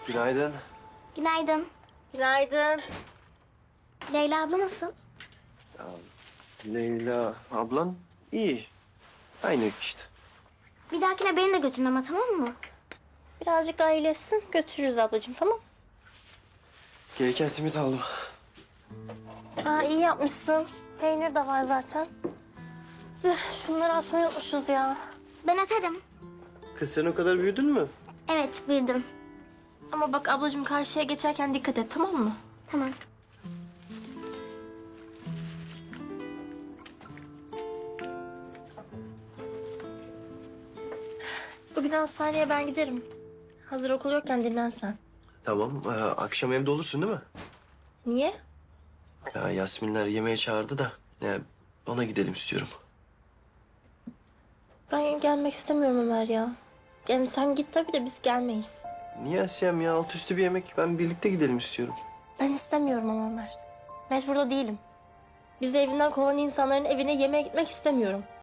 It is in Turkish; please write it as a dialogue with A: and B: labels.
A: Günaydın.
B: Günaydın.
C: Günaydın.
B: Leyla abla nasıl?
A: Leyla ablan iyi. Aynı işte.
B: Bir dahakine beni de götürün ama, tamam mı?
C: Birazcık daha iyileşsin. Götürürüz ablacığım, tamam?
A: Gereken simit aldım.
C: Aa, iyi yapmışsın. Peynir de var zaten. Şunları atmayı unutmuşuz ya.
B: Ben atarım.
A: Kız sen o kadar büyüdün mü?
B: Evet, bildim.
C: Ama bak ablacığım, karşıya geçerken dikkat et, tamam mı?
B: Tamam.
C: Bugün hastaneye ben giderim. Hazır okul yokken dinlensen.
A: Tamam. Akşam evde olursun değil mi?
C: Niye?
A: Ya Yasminler yemeğe çağırdı da. Ya, ona gidelim istiyorum.
C: Ben gelmek istemiyorum Ömer ya. Yani sen git tabii de biz gelmeyiz.
A: Niye Asya'm ya? Alt üstü bir yemek. Ben birlikte gidelim istiyorum.
C: Ben istemiyorum ama Ömer. Mecbur da değilim. Bizi evinden kovan insanların evine yemeğe gitmek istemiyorum.